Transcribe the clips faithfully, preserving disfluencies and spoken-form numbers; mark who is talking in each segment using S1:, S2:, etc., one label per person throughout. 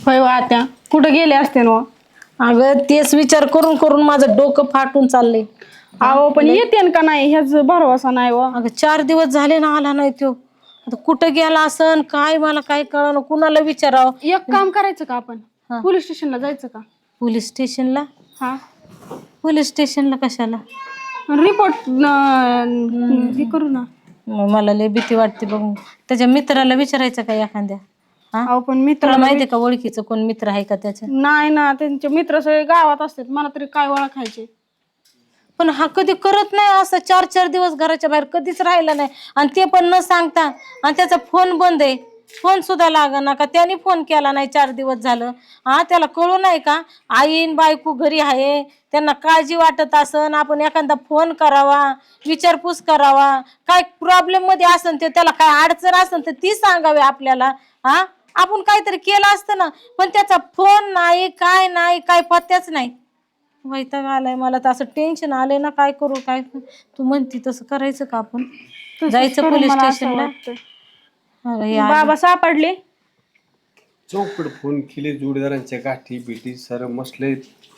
S1: होय आत्या कुठं गेले असते ना?
S2: अगं तेच विचार करून करून माझं डोकं फाटून चाललंय.
S1: अहो पण येते का नाही ह्याच भरवसा नाही व.
S2: अगं चार दिवस झाले ना आला नाही तो. आता कुठं गेला असन काय मला काय कळलं, कुणाला विचारावं.
S1: एक काम करायचं का आपण
S2: हा.
S1: पोलीस स्टेशनला जायचं का?
S2: पोलीस स्टेशनला?
S1: हा
S2: पोलीस स्टेशनला कशाला?
S1: रिपोर्ट हे करू ना.
S2: मग मला लय भीती वाटते बघ. त्याच्या मित्राला विचारायचं का एखाद्या? हा
S1: अहो पण
S2: तुला
S1: मित्राला
S2: माहितीये का ओळखीचं कोण मित्र आहे का त्याच्या?
S1: नाही ना, त्यांचे मित्र सगळे गावात असतात, मला तरी काय ओळखायचे.
S2: पण हा कधी करत नाही असं, चार चार दिवस घराच्या बाहेर कधीच राहिला नाही. आणि ते पण न सांगता, आणि त्याचा फोन बंद आहे, फोन सुद्धा लागना का, त्याने फोन केला नाही चार दिवस झालं. हा त्याला कळू नाही का आईन बायको घरी आहे, त्यांना काळजी वाटत असन, आपण एखादा फोन करावा, विचारपूस करावा, काय प्रॉब्लेम मध्ये असन ते, त्याला काय अडचण असन तर ती सांगावी आपल्याला. हा आपण काहीतरी केलं असतं ना, पण त्याचा फोन नाही, काय नाही, काय पत्त्याच नाही. वैताग आलाय मला तर, असं टेन्शन आलंय ना, काय करू काय. तू म्हणती तसं करायचं का आपण? जायचं पोलीस स्टेशनला?
S1: बाबा सापडले?
S3: चौकड फोन केले, जोडीदारांच्या गाठी बिठी सर मसले.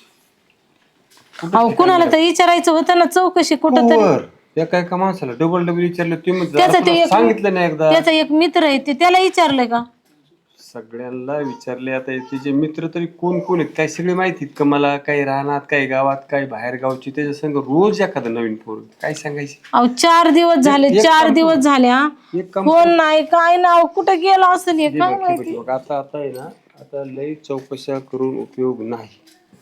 S2: अहो कुणाला तर विचारायचं होतं ना चौकशी कुठं तरी.
S3: एका एका माणसाला डबल डबल विचारलं,
S2: त्याचा ते
S3: ते सांगितलं नाही एकदा.
S2: त्याचा एक मित्र आहे ते, त्याला विचारलंय का?
S3: सगळ्यांना विचारले. आता तिचे मित्र तरी कोण कोण आहेत काय सगळे माहितीत का मला? काही राहणार, काही गावात, काही बाहेर गावची. त्याच्या संग रोज एखादं नवीन पोर, काय सांगायचे.
S2: अहो चार दिवस झाले, चार दिवस झाल्या, फोन नाही काय नाव, कुठं गेला असेल हे काय माहिती.
S3: आता आता आहे ना, आता लई चौकशा करून उपयोग नाही.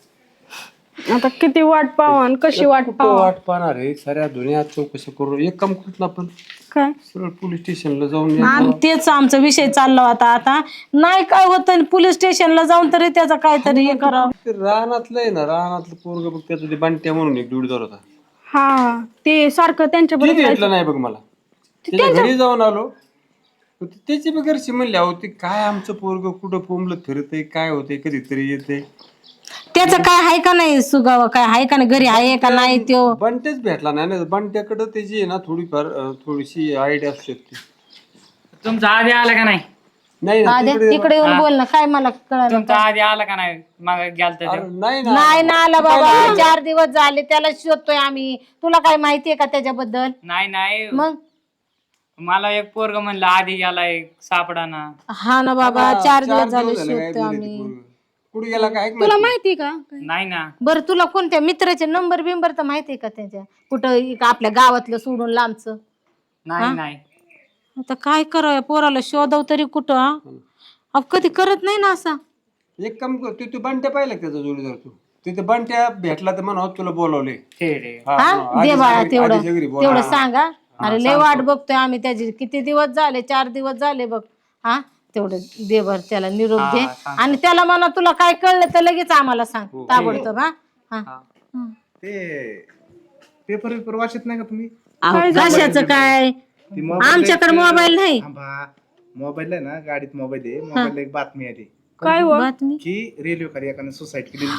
S1: आता किती वाट पाहू आणि कशी वाट पाहू?
S3: वाट पाहणार आहे साऱ्या दुनियात चौकशा करून. एक काम करत ना आपण,
S1: काय
S3: सरळ पोलीस स्टेशनला जाऊन.
S2: आणि तेच आमचा विषय चालला होता. आता नाही काय होतं, पोलीस स्टेशनला जाऊन तरी त्याचा काहीतरी हे करावं.
S3: ते रानातलं आहे ना, रानातलं पोरग बघ, त्याचं ते बंट्या म्हणून एक जोडीदार होता.
S1: हा ते सारखं त्यांच्या
S3: ते
S1: बरोबर
S3: भेटलं नाही बघ मला. त्याच्या घरी जाऊन आलो, त्याची बी घरची म्हणली अहो ते काय आमचं पोरग कुठं पोंबलं फिरतय, काय होतंय, कधीतरी येते.
S2: त्याचं काय आहे का नाही सुगाव, काय आहे का नाही, घरी आहे का नाही त्यो?
S3: बंट्याच भेटला नाही ना. बंट्याकडं त्याची आहे ना थोडीफार अं, थोडीशी आयडिया असू शकते.
S4: तुमचा आधी आला का नाही?
S3: नाही ना,
S2: आधी
S3: तिकडे-
S2: इकडे येऊन बोल ना, काय मला कळलं.
S4: तुमचा आधी आला का नाही? मग गेलता
S3: अरे,
S4: ते.
S3: नाही ना.
S2: नाही ना आला बाबा, चार दिवस झाले त्याला शोधतोय आम्ही. तुला काय माहितीये का त्याच्याबद्दल?
S4: नाही नाही
S2: मग
S4: मला एक पोरग म्हणलं आधी गेलाय सापडा ना.
S2: हा ना बाबा, चार दिवस झाले
S3: झाले काय
S2: शोधतोय आम्ही.
S3: पोरगं. कुठे गेला काय
S1: तुला माहिती का?
S4: नाही ना.
S2: बरं तुला कोणत्या मित्राचे नंबर बिंबर तर माहितीये का त्याच्या? कुठं इक आपल्या गावातलं सोडून लांबचं?
S4: नाही नाही
S2: आता काय करावं पोराला शोधव तरी कुठं? हा? अहो कधी करत नाही ना असा.
S3: एक काम कर, तू तू बंट्या पाहिला का त्याचा जोडीदार? तू तिथे बंट्या भेटला तर म्हणा तुला बोलावले.
S4: ते रे.
S3: हा,
S2: हा
S3: हा,
S2: दे
S3: आधीच्या
S2: बाळा
S3: घरी-
S2: तेवढं
S3: आधीच्या घरी बोला.
S2: तेवढं सांगा. अरे लय वाट बघतोय आम्ही त्याची, किती दिवस झाले, चार दिवस झाले बघ. हा तेवढं दे बर त्याला निरोप दे. आणि त्याला म्हणा तुला काय कळलं तर लगेच आम्हाला सांग ताबडतोब. हा हा हं.
S5: ते पेपर पेपर वाचत नाही का तुम्ही?
S2: अहो, कशाचं काय,
S5: ती मोबाईल
S2: आमच्याकडे
S5: एक-
S2: मोबाईल नाही.
S5: थांबा, मोबाईल आहे ना, गाडीत मोबाईल आहे. मोबाईलला एक बातमी आली
S1: काय हो?
S2: बातमी
S5: की रेल्वे खाली एकाने सुसाईड केली.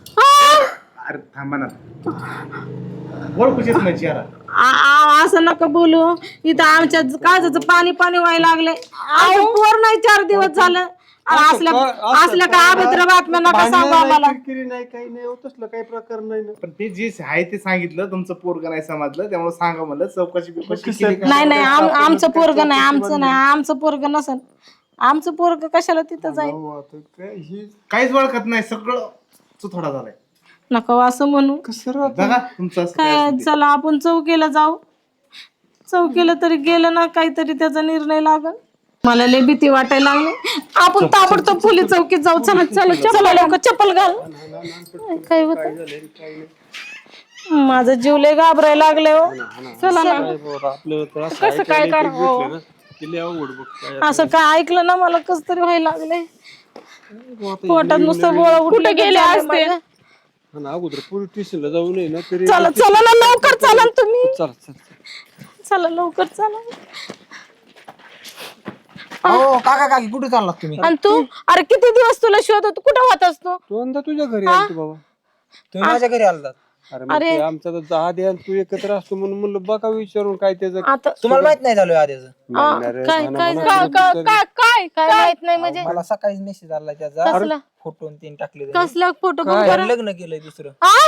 S5: अरे थांबा ना, ओळखूच येत नाही चेहरा.
S2: आ- आ- असं नका बोलू, इथं आमच्या काळजाचं पाणी पाणी व्हायला लागलंय. अहो, पोर नाही चार दिवस झालं. असल्या असल्या काय अभद्र बातम्या नका सांगू आम्हाला.
S3: किरकिरी नाही, काही नाही होत असलं काही प्रकार नाही ना.
S5: पण ते जे आहे ते सांगितलं, तुमचं पोरग नाही समजलं, त्यामुळे सांगा म्हणलं चौकशी बिकशी केली का?
S2: नाही नाही आम- आमचं पोरग नाही, आमचं नाही, आमचं पोरग नसेल. आमचं पोरग कशाला तिथं जाईल?
S3: हो, आता काय ही
S5: काहीच ओळखत नाही, सगळं चुथोडा झालाय.
S2: नको असं म्हणू.
S3: कसं
S5: बघा तुमचं असं काय
S2: काय
S5: असेल ते.
S2: चला आपण चौकीला जाऊ. चौकीला तरी गेलं ना काहीतरी त्याचा निर्णय लागल. मला लय भीती वाटायला लागली. आपण ताबडतोब पोलीस चौकीत जाऊ. चला चला चला लवकर, चप्पल घाल. काय होत माझा जीव लय घाबरायला लागले हो. चला ना.
S3: आपलं तर असं
S1: कसं काय
S3: ऐकायला
S1: करावं?
S3: भेटलं ना, की लय अवघड बघ काय.
S2: असं काय ऐकलं ना मला कस तरी व्हायला लागले. पोटात नुसतं गोळा
S1: कुठे गेले असते?
S3: हा ना, अगोदर पोलीस स्टेशनला जाऊ नये ना तरी.
S2: चला चला ना लवकर, चला ना तुम्ही.
S3: चला चला.
S2: चला लवकर चला.
S6: हो काका काकी कुठे चाललात तुम्ही?
S2: आणि तू अरे किती दिवस तुला शोधत, कुठं होतास तू?
S3: दोनदा तुझ्या घरी आलतो बाबा.
S6: तुम्ही माझ्या घरी आलात.
S3: अरे मग ते आमचा तर आधी आणि तू एकत्र असतो म्हणून म्हणलं बघा विचारून काय त्याचं
S2: आता
S6: तुम्हाला माहित नाही झालं आधीच
S2: आ,
S3: नाही रे,
S2: काय
S3: म्हणा-
S2: काय
S3: म्हणा
S2: काय
S3: कुठं तरी.
S1: काय काय
S2: काय माहित नाही म्हणजे
S6: मला सकाळीच मेसेज आला त्याचा
S2: कसला
S6: फोटो आणि तीन टाकले त्यांनी.
S2: कसला फोटो बघ
S3: काय?
S2: बरं.
S6: लग्न केलंय दुसरं
S2: आ?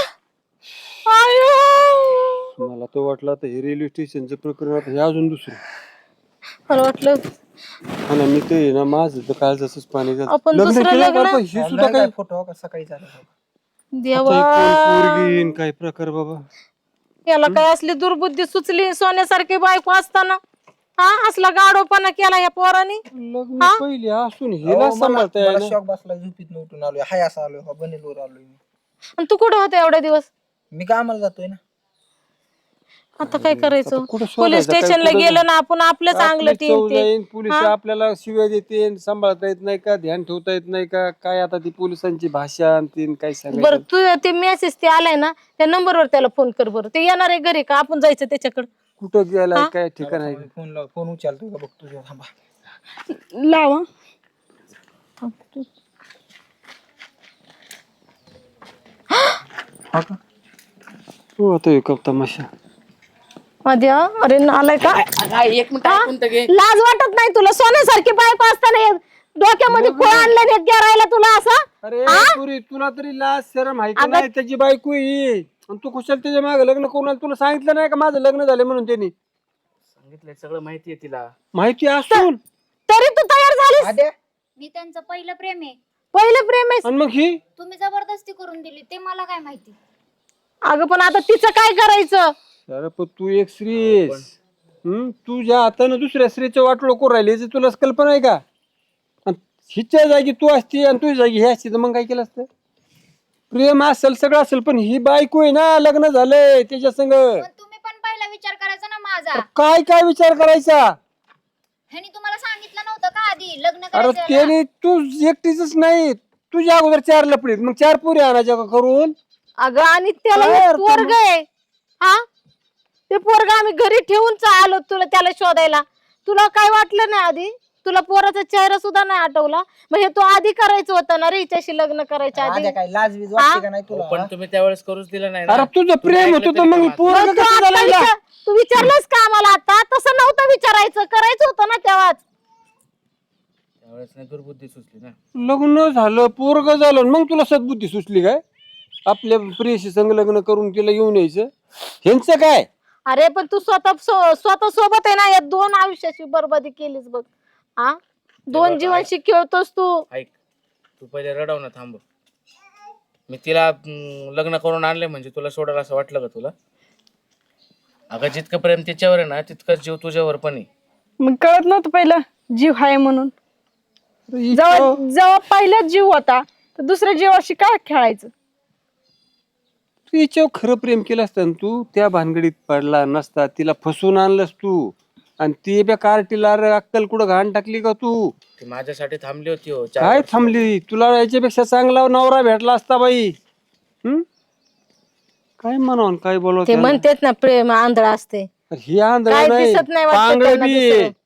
S2: आयो.
S3: मला तो वाटलं आता हे रेल्वे स्टेशनचं प्रकरण आता हे अजून दुसरं
S2: मला वाटलं
S3: हा ना मी ते ना माझं तर काल जसंच पाणी जातं.
S2: आपण
S3: लग्न
S2: दुसरं
S3: केलं
S2: लग्न?
S3: का? हे सुद्धा काय
S6: फोटो सकाळी झाला
S2: देवा
S3: पोरगीन काय प्रकार बाबा
S2: याला काय असली दुर्बुद्धी सुचली सोन्यासारखी बायको असताना हा असला गाडोपणा केला या पोराने
S3: लग्न पहिले असून हिला सांभाळता
S6: मला
S3: यायला.
S6: शॉक बसला झोपीत उठून आलोय हाय असं आलोय हा बनेलवर आलोय मी
S2: आणि तू कुठं होता एवढे दिवस
S6: मी कामाला जातोय ना
S2: आता काय करायचं
S3: कुठं
S2: पोलीस
S3: शोधायचं? काय
S2: स्टेशनला
S3: कुठं
S2: गेलं ना आपण आपलं चांगलं
S3: आपली चव
S2: टीम
S3: जाईन, पोलीस आपल्याला शिव्या देते सांभाळता येत नाही का ध्यान ठेवता येत नाही का काय आता ती पोलिसांची भाषा आणि तीन काय सांगायचं
S2: बरं तू ते मेसेज ते आलाय ना त्या नंबरवर त्याला फोन कर बरं ते येणार आहे घरी का आपण जायचं त्याच्याकडे
S3: कुठं गेलाय काय ठिकाण आहे
S6: फोन लाव फोन उचलतो का बघतो जरा, थांबा
S1: लावा
S3: हो आता एक तमाशा
S2: मध्ये अरे आलाय का
S4: एक मिनिट ऐकून तर घे.
S2: लाज वाटत नाही तुला सोन्यासारखी बायको असताना हे डोक्यामध्ये खोळ आणलं नेत गेरायला तुला असं
S3: अरे पुरी तुला तरी लाज शरम आहे का नाही त्याची बायको ही आणि तू कुशल त्याच्या मागे लग्न करून आली. तुला सांगितलं नाही का माझं लग्न झालं म्हणून त्यांनी
S4: सांगितलंय सगळं माहितीये तिला.
S3: माहिती असून
S2: तरी तू तयार झालीस
S6: आद्या
S7: मी त्यांचं पहिलं प्रेम आहे.
S2: पहिलं प्रेम आहे
S3: आणि मग ही
S7: तुम्ही जबरदस्ती करून दिली ते मला काय माहिती.
S2: अगं पण आता तिचं काय करायचं
S3: अरे पण तू एक स्त्री आहेस हम्म तुझ्या हातानं दुसऱ्या स्त्रीचं वाटोळ करून राहिले याची तुला कल्पना आहे का आणि हिच्या जागी तू असती आणि तुझ्या जागी हे असती तर मग काय केलं असतं प्रेम असेल सगळं असेल पण ही बायको आहे ना लग्न झालंय त्याच्या संग
S7: पण तुम्ही पण पहिला विचार करायचा ना माझा.
S3: काय काय विचार करायचा
S7: ह्यानी तुम्हाला सांगितलं नव्हतं का आधी लग्न
S3: अरे
S7: करायचं याला?
S3: त्याने तू एकटीच नाही तुझ्या अगोदर चार लपडीत मग चार पुरी आणायच्या का करून
S2: अगं आणि त्याला
S3: काय
S2: एक
S3: अर्थ
S2: पोरग आहे हा ते पोरग आम्ही घरी ठेवून आलो तुला त्याला शोधायला तुला काय वाटलं नाही आधी तुला पोराचा चेहरा सुद्धा नाही आठवला मग हे तू आधी करायचं होतं ना रे हिच्याशी लग्न करायच्या आधी
S6: आद्या काय लाज बीज वाटते का नाही
S4: हो,
S6: तुला
S4: पण तुम्ही त्यावेळेस करूच दिलं नाही
S3: अरे
S4: ना.
S3: तुझं प्रेम होतं तर मग पोरगं
S2: मग तू
S3: कसं
S2: आता
S3: झालं हिला?
S2: विचार- तू विचारलंस का आम्हाला आता तसं नव्हतं विचारायचं करायचं होतं ना तेव्हाच
S4: त्यावेळेस नाही दुर्बुद्धी सुचली ना.
S3: लग्न झालं पोरग झालं आणि मग तुला सद्बुद्धी सुचली काय आपल्या प्रियशी संग लग्न करून तिला घेऊन यायचं ह्यांचं काय
S2: अरे पण तू स्वतः सो- स्वतः सोबत आहे ना या दोन आयुष्याची बरबादी केलीस बघ हा दोन जीवनशी खेळतोस तू
S4: ऐक तू पहिले रडव ना थांब. मी तिला अं, लग्न करून आणले म्हणजे तुला सोडायला असं वाटलं का तुला? अगं जितकं प्रेम तिच्यावर आहे ना तितकंच जीव तुझ्यावर पण आहे.
S1: मग कळत नव्हतं पहिलं जीव आहे म्हणून जेव्हा जेव्हा पहिला जीव होता तर दुसऱ्या जीवाशी काय खेळायचं
S3: तू हिच्यावर खरं प्रेम केलं असतं ना तू त्या भानगडीत पडला नसता तिला फसवून आणलंस तू आणि ती बी कार्टीला अक्कल कुठं घाण टाकली का तू
S4: ती माझ्यासाठी थांबली होती हो चार
S3: काय
S4: वर्ष.
S3: थांबली तुला याच्यापेक्षा चांगला नवरा भेटला असता बाई हम्म काय म्हणावं काय बोलव
S2: ते म्हणतेत ना प्रेम आंधळा असते
S3: ही आंधळ
S2: काय
S3: नाही
S2: दिसत नाही वाटतं
S3: पांगळ
S2: त्यांना
S3: बी
S2: दुसरं.
S3: आहे.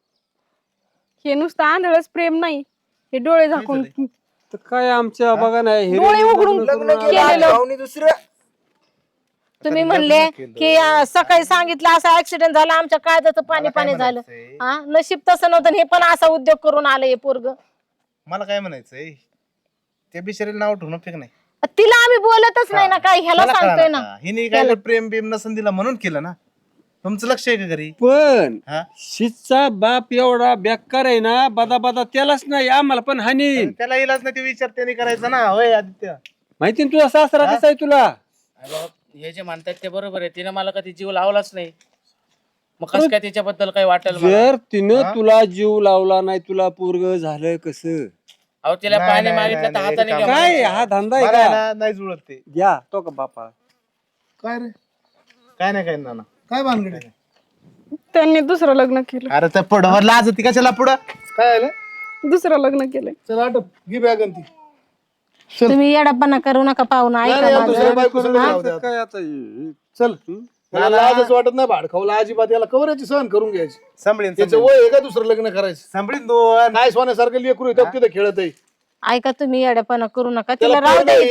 S1: हे नुसतं आंधळच प्रेम नाही हे डोळे झाकून
S3: तर काय आमच्या बघा नाही हे
S1: डोळे उघडून
S6: लग्न केलं भाऊनी दुसरं
S2: तुम्ही म्हणले की अं, सकाळी सांगितलं असं ऍक्सिडेंट झाला आमच्या काळजाचं पाणी पाणी झालं हा नशीब तसं नव्हतं आणि हे पण असा उद्योग करून आलं हे पोरग
S5: मला काय म्हणायचंय त्या बिचारीला नाव ठेवणं फेक नाही.
S2: तिला आम्ही बोलतच नाही ना काय ह्याला
S5: मला
S2: सांगतोय
S5: कळलं
S2: ना
S5: का? हिने काय प्रेम बिम नसन दिला म्हणून केलं ना. तुमचं लक्ष आहे का घरी?
S3: पण
S5: हा?
S3: शिचा बाप एवढा बेकार आहे ना बदा बदा त्यालाच नाही आम्हाला पण हानी
S5: त्याला इलाज नाही ते विचार त्याने करायचा ना. होय आदित्य
S3: माहिती ना तुझा सासरा कसा आहे तुला
S4: अरे बाबा, हे जे म्हणतात ते बरोबर आहे. तिने मला कधी जीव लावलाच नाही. मग कसं काय तिच्याबद्दल काही वाटेल मला?
S3: जर तिनं तुला जीव लावला नाही तुला पोरग झालं कसं
S4: अहो तिला
S5: नाही,
S4: पाणी
S5: नाही,
S4: मागितलं तर
S5: नाही,
S4: हाताने
S5: नाही,
S4: घ्या
S3: काय
S4: म्हणायचं.
S3: हा धंदा आहे
S5: मला आहे
S3: का
S5: ना, नाही जुळत ते.
S3: घ्या तो का बापा
S5: काय रे काय नाही काय ना
S8: काय भानगड आहे?
S1: त्यांनी दुसरं लग्न केलं
S5: अरे त्या पुढं लाज ती कशाला पुढं
S8: काय आलं
S1: दुसरं लग्न केलंय
S8: चल आटप घे बॅग आणि ती
S2: तुम्ही येडापणा करू नका पाहुणा
S8: नाही,
S2: ऐका
S8: नाही,
S2: माझं.
S8: तुझ्या बायको संग राहू दे आता.
S3: काय आता हे-
S8: चल मला लाजच वाटत नाही भाड खाऊला अजिबात याला कवराची सहन करून घ्यायची
S5: सांभाळीन
S8: त्याचं वय आहे का दुसरं लग्न करायचं
S5: सांभाळीन दोन
S8: काय सोन्यासारखं लेकरू आहे, तिथं खेळत आहे
S2: ऐका तुम्ही येडापणा करू नका
S8: त्याला
S2: तिला राहू
S8: पोरं
S2: दे
S8: नाही
S2: इथं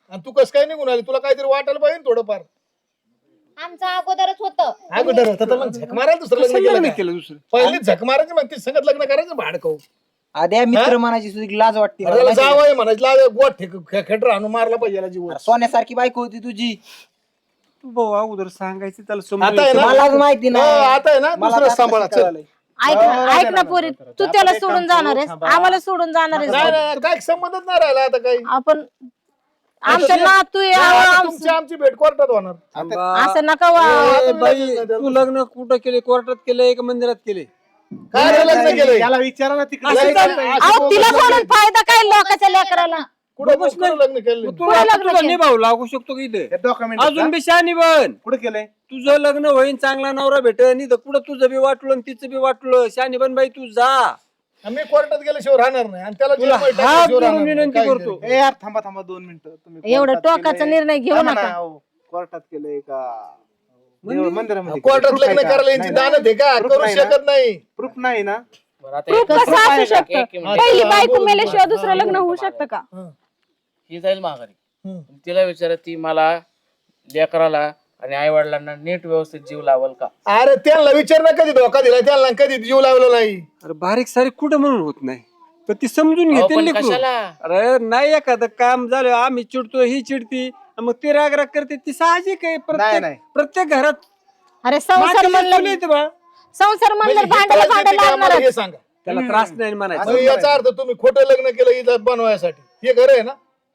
S8: आणि तू कसं काय निघून आली? तुला काहीतरी वाटायला पाहिजे ना थोडंफार.
S7: आमचं अगोदरच होतं.
S8: अगोदर होतं तर मग झक मारायला दुसरं लग्न
S3: कसं
S8: केलं
S3: लग्न
S8: का?
S3: केलं दुसरं?
S8: पहिली झक मारायची मग ती संगत लग्न करायचं भाडकं.
S6: आद्या मित्र म्हणायची सुद्धा लाज वाटते मला,
S8: त्याला
S6: माहिती आहे
S8: जावं म्हणायचं गोट ठेक खेटर आणून मारला पाहिजे याला जीव.
S6: का? सोन्यासारखी बायको होती तुझी.
S3: तू भाऊ अगोदर सांगायचं त्याला
S8: आता आहे
S3: समजून
S8: ना
S6: मलाच माहिती नाही.
S8: हो, आता आहे ना
S6: मला
S8: दुसरं
S6: आता
S8: सांभाळा चल.
S6: कळालंय.
S2: ऐक ना ऐक ना पोरी, तू त्याला सोडून जाणार आहेस, आम्हाला सोडून जाणार
S8: नाही
S2: आहेस.
S8: नाही, काय संबंधच नाही राहिला आता काही.
S2: आपण आमच्या नातू आहे,
S8: आता
S2: आम-
S8: तुमची आमची भेट कोर्टात होणार.
S2: असं नका वा.
S3: ए, बाई तू लग्न कुठं केले? कोर्टात केलंय का मंदिरात केले?
S8: काय रे लग्न केलंय?
S5: याला विचारा ना तिकडे
S3: असं
S5: जायचं
S3: चालतं.
S5: नाही.
S2: अहो तिला सोडून फायदा काय लोकांच्या लेकराला?
S8: कुठं कुठं लग्न केलं?
S3: तू आता तुझा निभाव लागू शकतो की इथे
S5: हे document
S3: अजून बी शहाणी बन.
S5: कुठे केलंय?
S3: तुझं लग्न होईन, चांगला नवरा भेटेल, नाही तर कुठं तुझं बी वाटलं आणि तिचं बी वाटलं. शहाणी बन बाई, तू जा.
S8: आम्ही कोर्टात गेल्याशिवाय राहणार नाही आणि त्याला
S3: तुला
S8: जेलमध्ये
S3: हात
S8: टाकल्याशिवाय
S3: धरून
S8: राहणार नाही.
S3: विनंती
S8: काय
S3: करतो.
S8: तरी.
S5: ए यार थांबा थांबा दोन मिनिटं. तुम्ही
S2: एवढं
S5: कोर्टात
S2: टोकाचा
S5: केलंय.
S2: निर्णय घेऊ
S5: थांबा
S2: नका.
S5: ना, अहो. कोर्टात केलंय का देव- मंदिरामध्ये
S8: कोर्टात
S5: Proof
S8: लग्न
S5: आहे का?
S8: करायला यांची
S5: नाही,
S8: दानत आहे का?
S5: Proof
S8: करू
S5: नाही ना?
S8: शकत नाही.
S5: प्रूफ नाही ना?
S4: बरं, आता
S1: प्रूफ
S4: एक-
S1: कसं असू
S4: एक
S1: शकतं?
S4: मिनिट.
S1: पहिली बायको
S8: बोल,
S1: मेल्याशिवाय
S8: बोल.
S1: दुसरं लग्न होऊ शकतं का?
S4: ही जाईल माघारी.
S8: हम्म.
S4: तिला विचारा, ती मला लेकराला आणि आई वडिलांना नीट व्यवस्थित जीव लावल का?
S8: अरे त्यांना विचार ना कधी धोका दिला, त्यांना कधी जीव लावला नाही.
S3: अरे बारीक सारीक कुठं म्हणून होत नाही, पण ती समजून
S4: अहो,
S3: घेते
S4: पण
S3: लेकरू.
S4: कशाला?
S3: अरे नाही एखादं काम झालं, आम्ही चिडतो, ही चिडती, मग ती राग राग करते, ती साहजिक आहे.
S5: नाही,
S3: प्रत्येक
S5: नाही.
S3: प्रत्येक घरात
S2: अरे संसार
S3: मातीची
S2: म्हणलं
S3: चूल येते बा.
S2: संसार म्हणलं
S8: म्हणजे हे
S2: भांडायला
S8: त्रास देते
S2: भांडायला
S8: का आम्हाला
S2: लागणार
S8: हे सांगा.
S3: त्याला त्रास नाही म्हणायचं.
S8: म्हणजे याचा अर्थ तुम्ही खोटं लग्न केलं इज्जत बनवायसाठी, हे खरं आहे ना?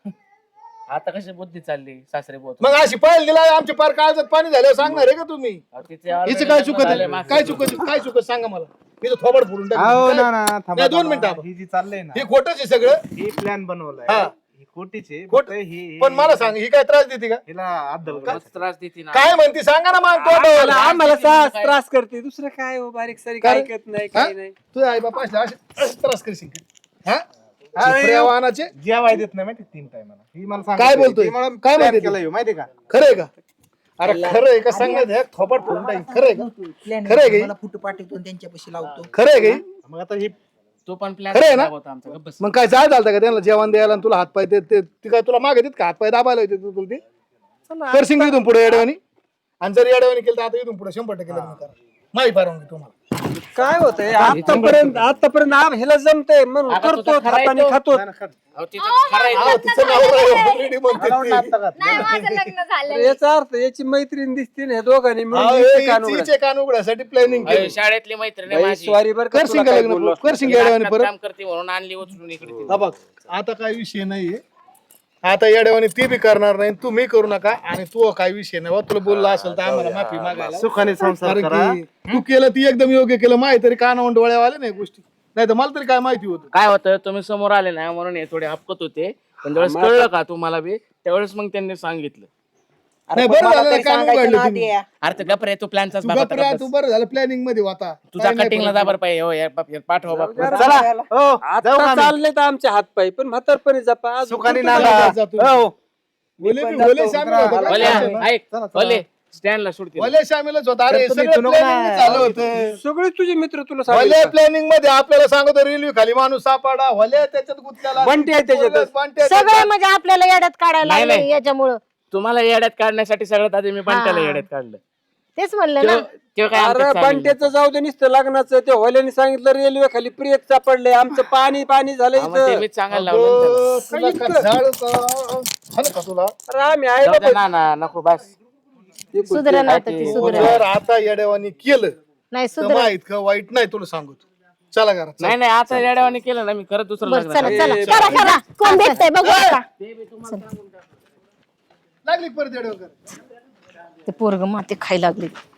S4: आता कशी बुद्धी चालली सासरे बोत
S8: मग अशी पाहिलं दिला आमच्या पार काळजात पाणी झालं सांगणार आहे का तुम्ही? हिचं काय चुकत आहे? काय चुकत काय चुकत सांगा मला. हिचं थोबड फोडून टाकली.
S5: अहो
S8: काय?
S5: ना ना थांबा,
S8: नाही, दोन
S5: थांबा.
S8: मिनिटं थांबा.
S5: ही जी चाललंय ना
S8: हे खोटंच आहे सगळं.
S5: ही प्लॅन बनवलाय.
S8: हा.
S5: ही खोटीच आहे.
S8: खोट-
S5: फक्त ही
S8: पण मला सांग, ही काय त्रास देते का?
S5: हिला अद्दल
S4: त्रास देते ना.
S8: काय म्हणते सांगा ना मग
S3: आम्हाला आम्हाला सास त्रास करते, दुसरं काय हो, बारीक सारीक
S8: काय?
S3: ऐकत नाही, काय नाही.
S8: तू आई बापा असले असे असे त्रास करशील का? हा? चिपऱ्या वाहनाचे
S5: जेवाय देत नाही माहिती तीन टायमाला. ही मला सांगत
S8: काय
S5: होती.
S8: बोलतोय?
S5: ती मला
S8: काय
S5: plan
S8: म्हणते
S5: केलं ह्यो, माहिती का?
S8: खरं आहे का? अरे खरं आहे का सांगत आहे? थोपाट फोडून टाकीन. खरं आहे का?
S6: Plan
S8: खरं आहे का?
S6: मला फोटो पाठवतो आणि त्यांच्यापाशी लावतो.
S8: खरं आहे का?
S5: मग आता ही
S4: तो पण प्लॅन
S8: खरं आहे ना?
S4: होता आमचा. गप्प बस.
S8: मग काय जाय झालं का त्यांना जेवण द्यायला आणि तुला हातपाय ते ते- ती काय तुला मागे देत का हातपाय दाबायला येते तुला ते करशिंग इथून पुढे येड्यावानी. आणि जर येड्यावानी केलं तर आता इथून पुढे शंभर टक्के लग्न करा. माहिती परवानगी तुम्हाला.
S3: काय होतंय आतापर्यंत आतापर्यंत आम ह्याला जमतंय म्हणून
S4: आता
S3: करतो,
S4: तुझा खरा आहे
S3: हाताने
S4: तो.
S3: खातो.
S4: अहो, तिचं खरं आहे
S8: हा,
S4: ते.
S8: तिचं नाव already म्हणते
S5: घालवून
S8: ती.
S5: टाकता का?
S7: नाही माझं लग्न झालं.
S3: याचा अर्थ याची मैत्रीण दिसते ना, ह्या दोघांनी
S8: हा,
S3: मिळून
S8: हे
S3: इथे कान
S8: हिचे-
S3: उघडा.
S8: हिचे कान उघड्यासाठी प्लॅनिंग
S4: अहो,
S8: केली.
S4: शाळेतली मैत्रीण आहे
S3: बाई,
S4: माझी.
S3: स्वारी बरं का,
S8: करशील
S3: तुला
S8: का
S3: काय
S8: लग्न
S3: बोललो असतो.
S8: करशील
S4: ती
S8: येड्यावानी
S4: नाटकात
S8: परत.
S4: काम करते म्हणून आणली उचलून इकडे तिला.
S8: हा बघ आता काय विषय नाहीये. आता येड्यावानी ती बी करणार नाही, तुम्ही करू नका. आणि तू काय विषय नाही बा, तुला बोलला असेल तर आम्हाला माफी मागायला.
S5: सुखाने संसार
S8: कारण
S5: करा.
S8: की तू केलं ती एकदम योग्य केलं. माहिती तरी कानावून डोळ्यावाले नाही गोष्टी, नाही तर मला तरी काय माहिती होतं.
S4: काय होतं, तुम्ही समोर आले ना म्हणून हे थोडे हपकत होते, पण ज्यावेळेस कळलं का तुम्हाला बी त्यावेळेस मग त्यांनी सांगितलं.
S6: अरे
S8: नाही,
S6: पण
S8: बरं
S6: मला
S8: झालं
S6: तरी
S8: कान
S6: सांगायचं
S8: उघडलं
S6: ना
S8: तुम्ही.
S6: आद्या.
S4: अरे ते गप्प रे, तू प्लॅनचाच
S8: तू
S4: भाग होता,
S8: गप्प राहा,
S4: गप्प
S8: तू
S4: बस.
S8: बरं झालं प्लॅनिंग मध्ये होता.
S4: तुझा
S8: काही नाही
S4: कटिंगला
S8: problem.
S4: जाबर पाहिजे. हो, या बाप- या पाठवा बाप.
S5: चला हो जाऊ का
S3: आता
S5: आम्ही?
S3: चालले तर आमचे हातपाय, पण म्हातारपणी जपा. अजून
S5: सुखाने
S3: कुठं
S5: नांदा.
S3: जायचं?
S8: जा तुम्ही.
S5: हो.
S8: भोले
S5: पण
S8: बी- भोले
S5: जातो,
S8: शामिल
S5: उतरा.
S8: होतं का?
S4: भले,
S8: चला,
S4: ऐक
S5: चला, चला.
S4: भले स्टँडला सुटतील.
S8: भले शामिलच होता. अरे
S5: तर तुम्ही
S8: सगळं
S5: इथून
S8: planning
S5: नका.
S8: झालं होतं.
S3: सगळे तुझे मित्र तुला
S8: भले
S3: सांगितलं.
S8: प्लॅनिंग मध्ये आपल्याला सांगतो रेल्वे खाली माणूस सापाडा. भले त्याच्यात गुंतलेला.
S3: बंटी आहे त्याच्यात.
S8: बंटी आहे
S2: सगळे
S8: त्याच्यात.
S2: म्हणजे आपल्याला येड्यात काढायला
S4: नाही,
S2: लागले
S4: नाही.
S2: याच्यामुळं.
S4: तुम्हाला येड्यात काढण्यासाठी सगळ्यात आधी मी बंट्याला
S2: हा.
S4: येड्यात काढलं.
S2: तेच म्हणलं ना.
S4: त्यो- त्यो काय
S3: अरे
S4: आमच्यात सामील
S3: बंट्याचं जाऊ दे, नुसतं लग्नाचं ते होल्याने सांगितलं रेल्वे खाली प्रियत सापडले, आमचं पाणी पाणी झालं
S4: नाही. हा, मग ते
S3: इथं.
S4: मीच सांगायला लावलं ना त्याला.
S8: अगं, तुला का झाड का- झालं का तुला?
S3: अरे आम्ही आहे
S4: जाऊ दे
S3: बाबा.
S4: ना ना नको बस.
S2: सुधरण आता ती सुधरण.
S8: जर आता येड्यावानी केलं
S2: नाही
S8: तर
S2: सुधरण.
S8: माहित का वाईट नाही तुला सांगतो. चला घरात चला.
S4: नाही नाही आता येड्यावानी केलं ना मी करत दुसरं
S2: बरं
S4: लग्न
S2: चला
S4: करेन.
S2: चला करा करा. कोण भेटतंय बघू आता.
S8: लागली परत येड्यावर.
S2: ते पोरग माती खायला लागली.